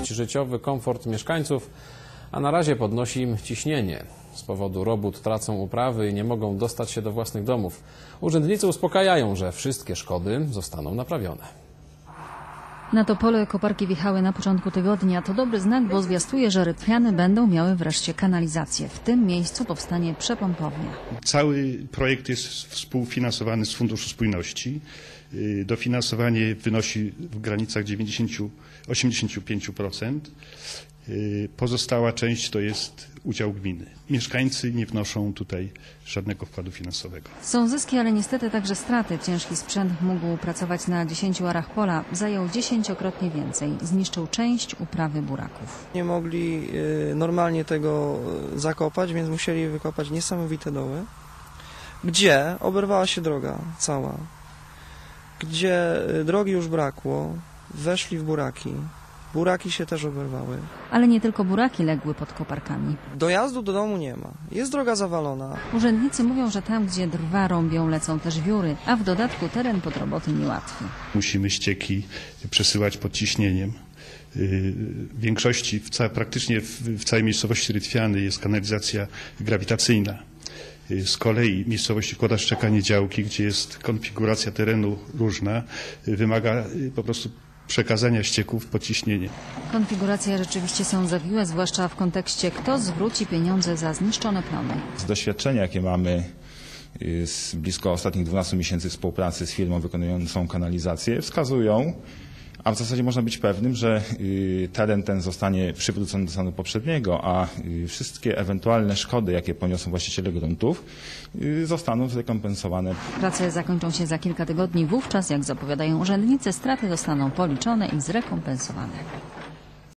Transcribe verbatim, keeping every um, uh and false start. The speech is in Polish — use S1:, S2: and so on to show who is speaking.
S1: życiowy komfort mieszkańców, a na razie podnosi im ciśnienie. Z powodu robót tracą uprawy i nie mogą dostać się do własnych domów. Urzędnicy uspokajają, że wszystkie szkody zostaną naprawione.
S2: Na Topole koparki wjechały na początku tygodnia. To dobry znak, bo zwiastuje, że Rytwiany będą miały wreszcie kanalizację. W tym miejscu powstanie przepompownia.
S3: Cały projekt jest współfinansowany z Funduszu Spójności. Dofinansowanie wynosi w granicach dziewięćdziesiąt do osiemdziesięciu pięciu procent. Pozostała część to jest udział gminy. Mieszkańcy nie wnoszą tutaj żadnego wkładu finansowego.
S2: Są zyski, ale niestety także straty. Ciężki sprzęt mógł pracować na dziesięciu arach pola. Zajął dziesięciokrotnie więcej. Zniszczył część uprawy buraków.
S4: Nie mogli normalnie tego zakopać, więc musieli wykopać niesamowite doły, gdzie oberwała się droga cała, gdzie drogi już brakło, weszli w buraki. Buraki się też oberwały.
S2: Ale nie tylko buraki legły pod koparkami.
S4: Dojazdu do domu nie ma. Jest droga zawalona.
S2: Urzędnicy mówią, że tam, gdzie drwa rąbią, lecą też wióry, a w dodatku teren pod roboty niełatwy.
S3: Musimy ścieki przesyłać pod ciśnieniem. W większości, w ca praktycznie w całej miejscowości Rytwiany jest kanalizacja grawitacyjna. Z kolei miejscowości Kłoda Szczekanie Działki, gdzie jest konfiguracja terenu różna, wymaga po prostu przekazania ścieków pod ciśnienie.
S2: Konfiguracje rzeczywiście są zawiłe, zwłaszcza w kontekście, kto zwróci pieniądze za zniszczone plony.
S5: Z doświadczenia, jakie mamy z blisko ostatnich dwunastu miesięcy współpracy z firmą wykonującą kanalizację, wskazują, a w zasadzie można być pewnym, że teren ten zostanie przywrócony do stanu poprzedniego, a wszystkie ewentualne szkody, jakie poniosą właściciele gruntów, zostaną zrekompensowane.
S2: Prace zakończą się za kilka tygodni. Wówczas, jak zapowiadają urzędnicy, straty zostaną policzone i zrekompensowane.